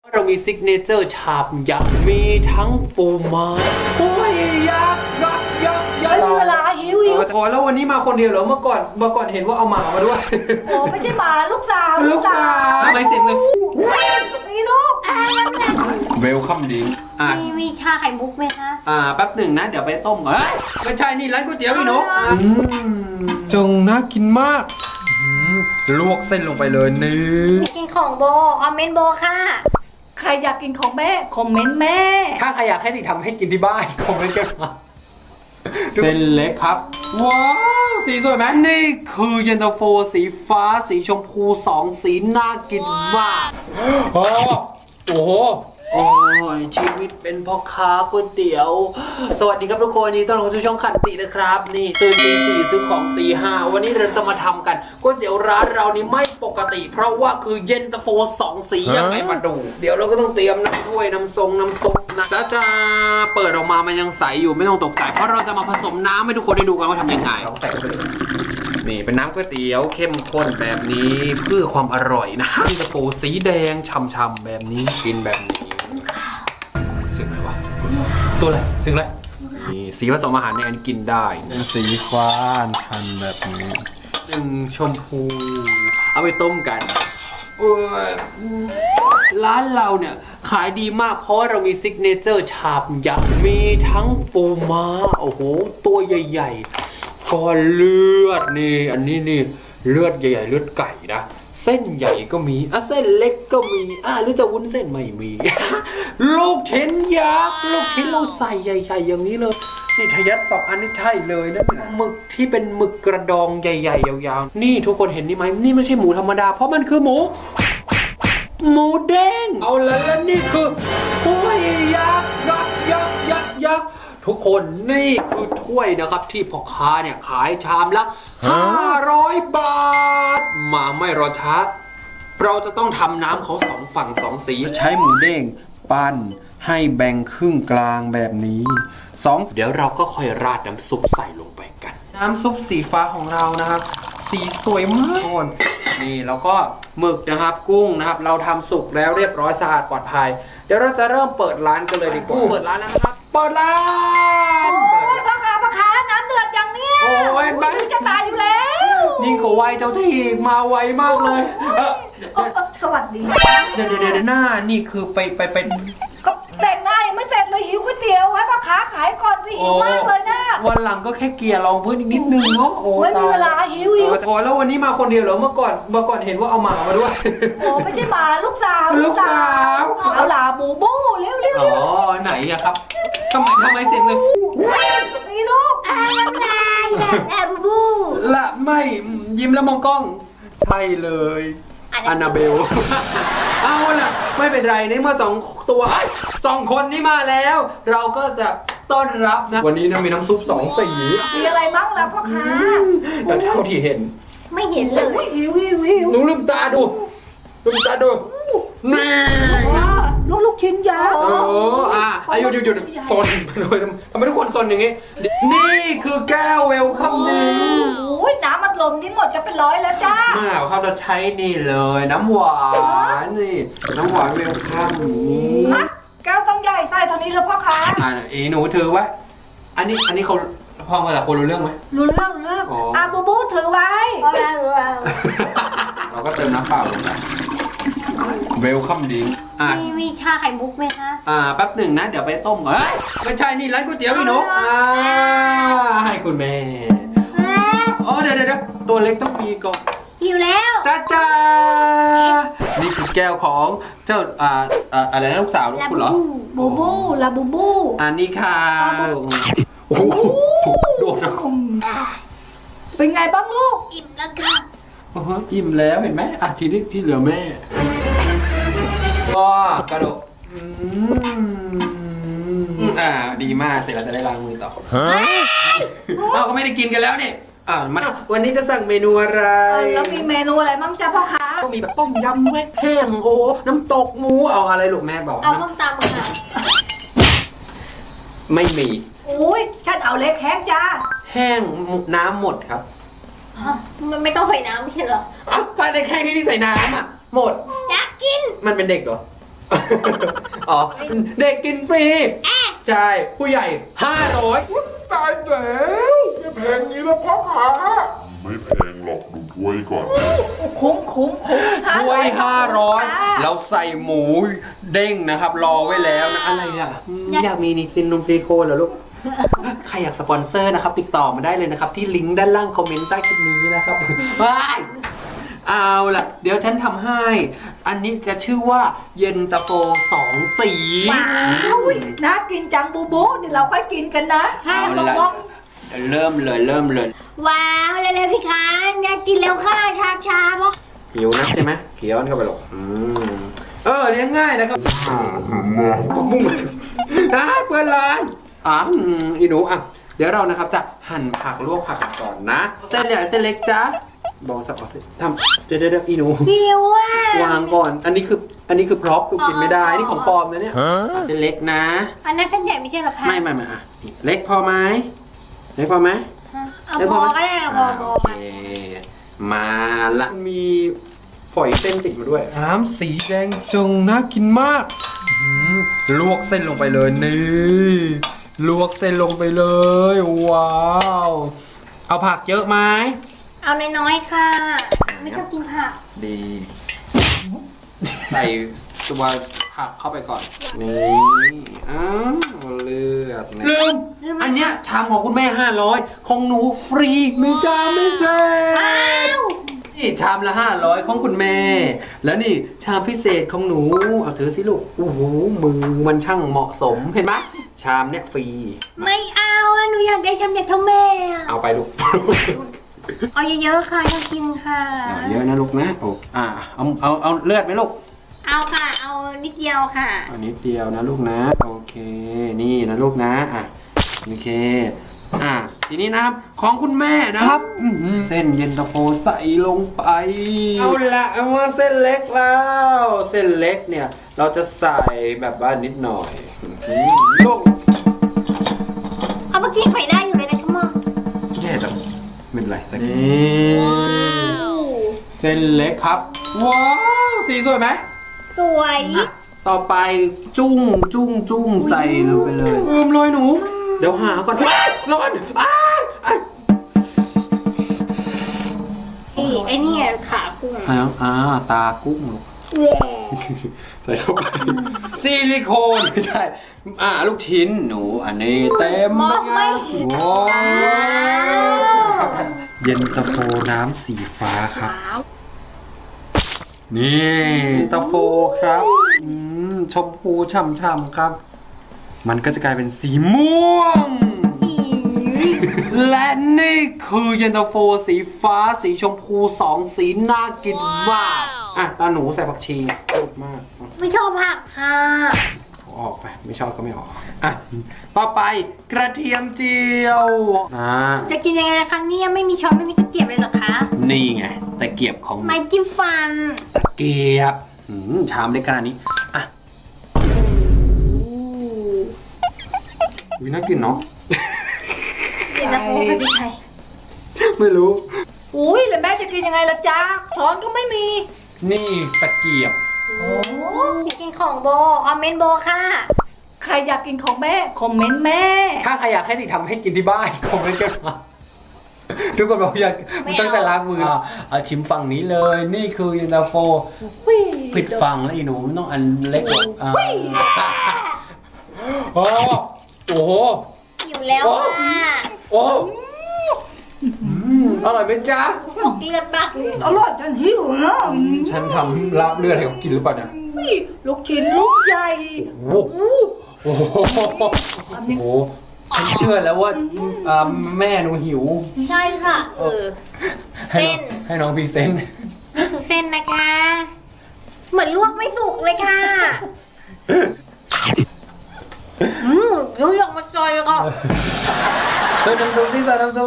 เรามีซิกเนเจอร์ชามยักษ์มีทั้งปูม้าโอ้ยยักษ์ยักษ์ยักษ์ยักษ์เวลาหิวพอแล้ววันนี้มาคนเดียวเหรอเมื่อก่อนเห็นว่าเอาหมามาด้วยโอ้ไม่ใช่หมาลูกสาวลูกสาวทำไมเสียงเลยนี่ลูกเวลคัมดิงมีชาไข่มุกไหมคะแป๊บหนึ่งนะเดี๋ยวไปต้มก่อนไม่ใช่นี่ร้านก๋วยเตี๋ยวพี่หนูจงน่ากินมากลวกเส้นลงไปเลยนี่กินของโบคอมเมนต์โบค่ะใครอยากกินของแม่คอมเมนต์แม่ถ้าใครอยากให้ติทำให้กินที่บ้านคอมเมนต์กันมาเส้นเล็กครับว้าวสีสวยไหมนี่คือเย็นตาโฟสีฟ้าสีชมพู2 สีน่ากินมากโอ้โหโอ้ยชีวิตเป็นพ่อค้าก๋วยเตี๋ยวสวัสดีครับทุกคนนี่ต้อนรับเข้าสู่ช่องขันตินะครับนี่ตื่นตี 4ซื้อของตี 5วันนี้เราจะมาทำกันก๋วยเตี๋ยวร้านเรานี่ไม่ปกติเพราะว่าคือเย็นตาโฟ2 สียังไงมาดูเดี๋ยวเราก็ต้องเตรียมน้ำถ้วยน้ำซุปนะจ้าเปิดออกมามันยังใสอยู่ไม่ต้องตกใจเพราะเราจะมาผสมน้ำให้ทุกคนได้ดูกันว่าทำยังไงนี่เป็นน้ำก๋วยเตี๋ยวเข้มข้นแบบนี้เพื่อความอร่อยนะเย็นตาโฟสีแดงฉ่ำๆแบบนี้กินแบบนี้เสียงอะไรวะตัวอะไรเสียงอะไรนี่สีผสมอาหารในอันกินได้สีฟ้าทันแบบนี้ชมพูเอาไปต้มกันร้านเราเนี่ยขายดีมากเพราะว่าเรามีซิกเนเจอร์ชามยักษ์มีทั้งปูม้าโอ้โหตัวใหญ่ๆก้อนเลือดนี่อันนี้นี่เลือดใหญ่ๆเลือดไก่นะเส้นใหญ่ก็มีเส้นเล็กก็มีหรือจะวุ้นเส้นไม่มี ลูกชิ้นยักษ์ลูกชิ้นเราใส่ใหญ่ๆอย่างนี้เลยนี่ทะยัด2 อันนี่ใช่เลยนะหมึกที่เป็นหมึกกระดองใหญ่ๆยาวๆนี่ทุกคนเห็นนี่ไหมนี่ไม่ใช่หมูธรรมดาเพราะมันคือหมูเด้งเอาแล้วนี่คือถ้วยยักษ์ทุกคนนี่คือถ้วยนะครับที่พ่อค้าเนี่ยขายชามละ500 บาทมาไม่รอช้าเราจะต้องทำน้ำเขา2 ฝั่ง 2 สีใช้หมูเด้งปั้นให้แบ่งครึ่งกลางแบบนี้เดี๋ยวเราก็ค่อยราดน้ำซุปใส่ลงไปกันน้ำซุปสีฟ้าของเรานะครับสีสวยมากนี่แล้วก็หมึกนะครับกุ้งนะครับเราทำสุกแล้วเรียบร้อยสะอาดปลอดภัยเดี๋ยวเราจะเริ่มเปิดร้านกันเลยดีกว่าเปิดร้านแล้วนะครับเปิดร้านโอ้ยพ่อค้าน้ำเดือดอย่างเนี้ยโอ้ยเห็นไหมจะตายอยู่แล้วยิ่งเขาไวเจ้าที่มาไวมากเลยสวัสดีเดี๋ยวหน้านี่คือไปก็แต่งหน้ายังไม่เสร็จเลยหิวก๋วยเตี๋ยวให้พ่อค้าขายก่อนสิหิวมากเลยนะวันหลังก็แค่เกลี่ยรองพื้นอีกนิดนึงเนาะไม่มีเวลาหิวพอแล้ววันนี้มาคนเดียวเหรอเมื่อก่อนเห็นว่าเอาหมามาด้วยโอ้ไม่ใช่หมาลูกสาว เอาหลาบูบูเร็วอ๋อไหนอะครับทำไมเสียงเลยนี่ลูกแอบบูละไม่ยิ้มแล้วมองกล้องใช่เลยอานาเบลเอาล่ะไม่เป็นไรในเมื่อ2 คนนี้มาแล้ว เราก็จะต้อนรับนะวันนี้นะมีน้ำซุป2 สีมีอะไรบ้างล่ะพ่อค้าแต่เท่าที่เห็นไม่เห็นเลยหิวหนูลืมตาดูนี่ลูกชิ้นยาวหยุดซนเลยทำไมทุกคนซนอย่างงี้นี่คือแก้วเวลคัมดิงโอ้ยน้ำอัดลมนี่หมดจะเป็น100แล้วจ้าเขาจะใช้นี่เลยน้ำหวานนี่น้ำหวานเวลคัมนี่แก้วต้องใหญ่ใส่เท่านี้แล้วพ่อค้าหนูถือไว้อันนี้เขาพ่อมาจากคนรู้เรื่องไหมรู้เรื่องบูบูถือไว้เราก็เติมน้ำเปล่าลงไปเวลคัมดิงมีชาไข่มุกไหมคะแป๊บหนึ่งนะเดี๋ยวไปต้มก่อนไม่ใช่นี่ร้านก๋วยเตี๋ยวพี่หนูให้คุณแม่เดี๋ยวตัวเล็กต้องมีก่อนหิวแล้วจ้านี่คือแก้วของเจ้าอะไรนะลูกสาวคุณเหรอบูบูลาบูบูอันนี้ค่ะโอ้โหโดดนะเป็นไงบ้างลูกอิ่มแล้วค่ะอิ่มแล้วเห็นไหมทีนี้ที่เหลือแม่ว้ากระโดดดีมากเสร็จแล้วจะได้ล้างมือต่อเราก็ไม่ได้กินกันแล้วนี่มาวันนี้จะสั่งเมนูอะไรแล้วมีเมนูอะไรบ้างจ้าพ่อค้าก็มีแบบต้มยำแห้งน้ำตกหมูเอาอะไรลูกแม่บอกเอาส้มตำค่ะไม่มีอุ้ยฉันเอาเล็กแห้งจ้าแห้งน้ำหมดครับมันไม่ต้องใส่น้ำไม่ใช่เหรอก็ในแค่นี้ที่ใส่น้ำหมดอยากกินมันเป็นเด็กเหรออ๋อ เด็กกินฟรี ใช่ ผู้ใหญ่ 500 ตายแล้วไม่แพงงี้แล้วพ่อขาไม่แพงหรอกดูถ้วยก่อนคุ้มถ้วย 500 เราใส่หมูเด้งนะครับ รอไว้แล้วนะ อะไรอ่ะอยากมีนิซินนมซิลิโคนเหรอลูก ใครอยากสปอนเซอร์นะครับ ติดต่อมาได้เลยนะครับ ที่ลิงก์ด้านล่างคอมเมนต์ใต้คลิปนี้นะครับว้ายเอาล่ะ เดี๋ยวฉันทำให้ อันนี้จะชื่อว่าเย็นตาโฟ2 สีว้าวน่ากินจังบูบูเดี๋ยวเราค่อยกินกันนะเอาล่ะเริ่มเลยว้าวเร็วๆพี่คะอยากกินแล้วค่ะช้าๆเพราะหิวนะใช่ไหมเคี้ยวเข้าไปหรอกเลี้ยงง่ายนะครับมุ่งเพื่อนร้านอีหนูอ่ะเดี๋ยวเรานะครับจะหั่นผักลวกผักก่อนนะเส้นใหญ่เส้นเล็กจ้าบอกสักเส้นทำเดี๋ยวอีหนูหิวอ่ะวางก่อนอันนี้คือพร็อพลูกกินไม่ได้นี่ของปลอมนะเนี่ยเส้นเล็กนะอันนั้นเส้นใหญ่ไม่ใช่เหรอคะไม่อ่ะเล็กพอไหมเล็กพอไหมเอาพอก็ได้พอโอเคมาละมีฝอยเส้นติดมาด้วยน้ำสีแดงจงน่ากินมากลวกเส้นลงไปเลยนี่ลวกเส้นลงไปเลยว้าวเอาผักเยอะไหมเอาน้อยๆค่ะ ไม่ชอบกินผักดีใส่ตัวผักเข้าไปก่อนนี่เลือดลืมอันเนี้ยชามของคุณแม่500ของหนูฟรีไม่จ้าไม่เซ็นี่ชามละ500ของคุณแม่ แล้วนี่ชามพิเศษของหนูเอาถือสิลูกโอ้โหมือมันช่างเหมาะสมเห็นไหมชามเนี้ยฟรีไม่เอาอะหนูอยากได้ชามใหญ่เท่าแม่อะเอาไปลูกเอาเยอะๆค่ะอยากกินค่ะเยอะนะลูกนะโอ้เอาเลือดไหมลูกเอาค่ะ เอานิดเดียวค่ะอันนี้เดียวนะลูกนะโอเคนี่นะลูกนะโอเคทีนี้นะครับของคุณแม่นะครับเส้นเย็นตาโฟใส่ลงไปเอาละเอามาเส้นเล็กแล้วเส้นเล็กเนี่ยเราจะใส่แบบว่านิดหน่อยลูกเอาเมื่อกี้ไฟได้อยู่เลยนะชั่วโมงแย่จังไม่เป็นไรสักนี่เส้นเล็กครับว้าวสีสวยไหมสวยต่อไปจุ้งใส่ลงไปเลยลอยหนูเดี๋ยวหาก่อนร้อนไอ้นี่ขากุ้งตากุ้งใส่เข้าไปซิลิโคนไม่ใช่ลูกชิ้นหนูอันนี้เต็มไปไงว้าวเย็นตาโฟน้ำสีฟ้าครับนี่ตาโฟครับชมพูฉ่ำๆครับมันก็จะกลายเป็นสีม่วงและนี่คือเย็นตาโฟสีฟ้าสีชมพู2 สีน่ากินมากตาหนูใส่ผักชีชอบมากไม่ชอบผักค่ะออกไปไม่ชอบก็ไม่ออกต่อไปกระเทียมเจียวจะกินยังไงคะเนี่ยไม่มีช้อนไม่มีตะเกียบเลยเหรอคะนี่ไงตะเกียบของไม้จิ้มฟันตะเกียบชามเล็กขนาดนี้น่ากินเนาะกินนะโอ้พอดีไทยไม่รู้อุ้ยแล้วแม่จะกินยังไงล่ะจ๊ะช้อนก็ไม่มีนี่ตะเกียบอยากกินของโบคอมเมนต์โบค่ะใครอยากกินของแม่คอมเมนต์แม่ถ้าใครอยากให้ติทำให้กินที่บ้านคอมเมนต์กันมาทุกคนบอกอยากตั้งแต่ล้างมือชิมฝั่งนี้เลยนี่คือเย็นตาโฟผิดฝั่งแล้วอีหนูมันต้องอันเล็กโอ้โหหิวแล้วค่ะโอ้อร่อยไหมจ๊ะสกเลือดมากเลยอร่อยจนหิวเนาะฉันทำลาบเลือดให้เขากินหรือเปล่าเนี่ยลูกชิ้นลูกใหญ่โอ้โหฉันเชื่อแล้วว่าแม่หนูหิวใช่ค่ะให้น้องพรีเซนต์นี่คือเส้นนะคะ เหมือนลวกไม่สุกเลยค่ะยูอยากมาจอยก็ใส่น้ำซุปสิ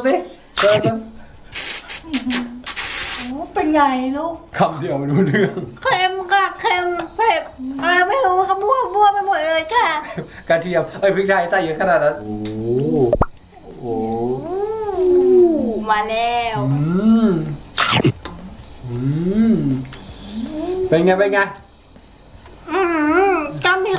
เป็นไงลูกคำเดียวไม่รู้เรื่องเค็มค่ะเค็มเผ็ดไม่รู้ค่ะมั่วไปหมดเลยค่ะกระเทียมพริกไทยใส่เยอะขนาดนั้นโอ้มาแล้วเป็นไง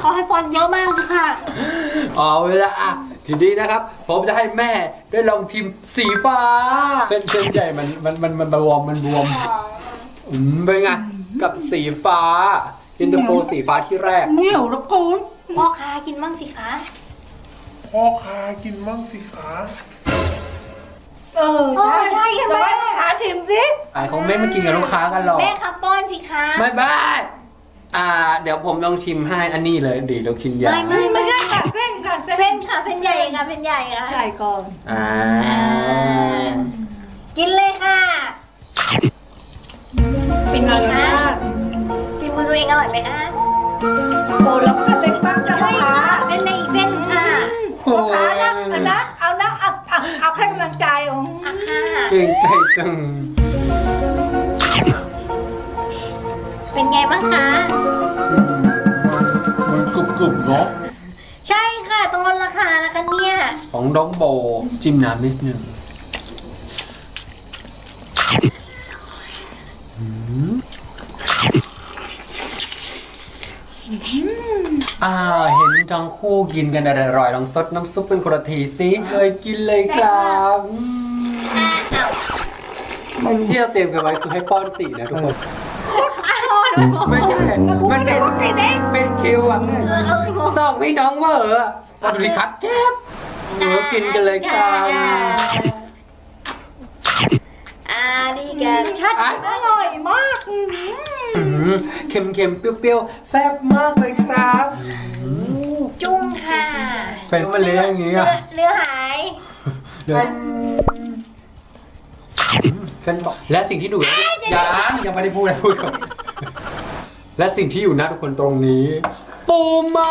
เขาให้ฟอนต์เยอะมากเลยค่ะเอาเวลาอ่ะทีนี้นะครับ ผมจะให้แม่ได้ลองชิมสีฟ้าเส้นใหญ่มันบวมเป็นไงกับสีฟ้าอินเตอร์โฟสีฟ้าที่แรกเหนียวแล้วกูพ่อค้ากินบ้างสิคะพ่อค้ากินมั่งสิคะใช่ค่ะแต่แม่ว่าหาชิมสิไอ้เขาไม่มากินกับลูกค้ากันหรอกแม่คะป้อนสิคะไม่บ้าเดี๋ยวผมลองชิมให้อันนี้เลยดีลองชิมยาไม่ใช่ค่ะเส้นค่ะเส้นเส้นค่ะเส้นใหญ่ค่ะเส้นใหญ่ค่ะใหญ่ก่อนกินเลยค่ะเป็นไงคะฝีมือตัวเองอร่อยไหมคะโอ้แล้วเส้นเล็กบ้างจ้ะพ่อใช่ค้าค่ะเป็นเลยอีกเส้นหนึ่งค่ะพ่อค้านะเอาให้กำลังใจของอ่ะค่ะเก่งใจจังเป็นไงบ้างคะมันกรุบๆเนาะใช่ค่ะตรงลดราคานะคะเนี่ยของน้องโบจิ้มน้ำนิดนึงเห็นทั้งคู่กินกันอร่อยลองซดน้ำซุปเป็นคนละทีสิเลยกินเลยครับที่เราเตรียมกันไว้คือให้ป้อนตีนะทุกคน ไม่ใช่มันเป็นคิวอ่ะสองพี่น้องเวอร์อะพอดูดิคัดแจ๊บกินกันเลยครับดีกันชัดอร่อยมากเค็มๆ เปรี้ยวๆ แซ่บมากเลยครับจุ้งค่ะเป็นมะเร็งอย่างงี้อ่ะเนื้อหายเดี๋ยวกันบอกและสิ่งที่ดูยังไม่ได้พูดเลยพูดก่อนและสิ่งที่อยู่หน้าทุกคนตรงนี้ ปูม้า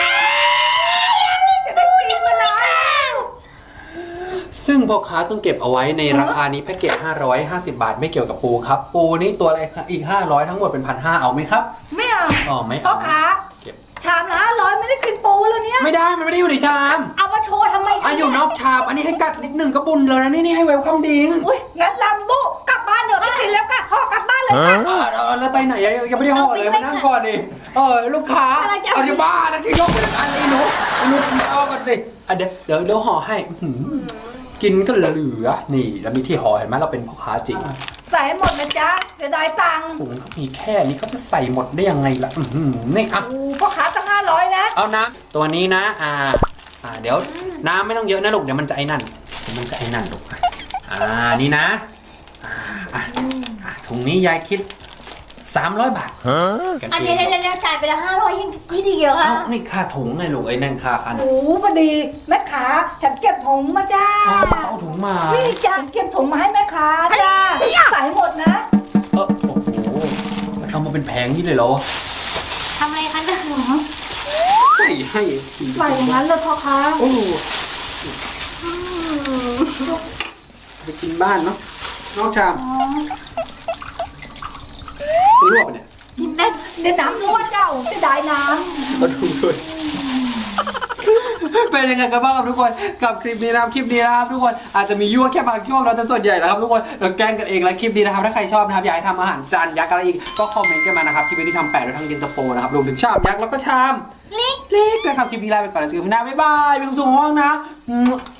ซึ่งพ่อค้าต้องเก็บเอาไว้ในราคานี้แพ็กเกจ550 บาทไม่เกี่ยวกับปูครับ ปูนี่ตัวอะไรครับอีก500ทั้งหมดเป็น1,500เอาไหมครับไม่เอาอ๋อไม่พ่อเอาค้าเก็บชามละ500ไม่ได้กินปูแล้วเนี่ยไม่ได้มันไม่ได้อยู่ในชามเอามาโชว์ทำไมอยู่นอกชามอันนี้ให้กัดนิดหนึ่งก็บุญแล้วนะนี่ให้เวลคัมดิงอุ้ยงั้นลำบุกลับบ้านเถอะไม่กินแล้วค่ะพ่อกลับบ้านเลยค่ะแล้วไปไหนยังไม่ได้ห่อเลยมานั่งก่อนดิลูกค้าเอาที่บ้านนะที่ยกอันนี้หนูเอาก่อนสิเดี๋ยวห่อให้กินก็เหลือนี่แล้วมีที่ห่อเห็นไหมเราเป็นพ่อค้าจริงใส่ให้หมดนะจ๊ะจะได้ตังค์ถุงเขามีแค่นี้เขาจะใส่หมดได้ยังไงล่ะนี่อ่ะโอ้พ่อค้าตั้ง500นะเอานะตัวนี้นะเดี๋ยวน้ำไม่ต้องเยอะนะลูกเดี๋ยวมันจะไอ้นั่นลูกนี่นะถุงนี้ยายคิด300 บาทอันนี้เดี๋ยวจ่ายไปแล้ว500ยังกี่เดียวค่ะนี่ค่าถุงไงลูกไอ้นั่นค่าคันโอ้พอดีแม่ค้าฉันเก็บถุงมาจ้าเอาถุงมานี่จ้าเก็บถุงมาให้แม่ค้าจ้าใส่ให้หมดนะโอ้โหมันเอามาเป็นแผงนี่เลยเหรอทำอะไรคะเนี่ยใส่ให้ใส่อย่างนั้นเลยพ่อค้าโอ้ไปกินบ้านเนาะน้องชามลวกไปเนี่ยกินได้เดี๋ยวน้ำรั่วเจ้าจะได้น้ก็ดูด้วยเป็นยังไงกันบ้างครับทุกคนกับคลิปนี้นะครับทุกคนอาจจะมียั่วแค่บางช่วงเราแต่ส่วนใหญ่นะครับทุกคนแกล้งกันเองและคลิปนี้นะครับถ้าใครชอบนะครับอยากให้ทำอาหารจานยักษ์อะไรอีกก็คอมเมนต์กันมานะครับคลิปนี้ที่ทำแปะโดยทางเย็นตาโฟนะครับรวมถึงชามยักษ์แล้วก็ชามเล็กนะครับคลิปนี้ลาไปก่อนแล้วเจอกันใหม่หน้าบ๊ายบายมีความสุขมากนะ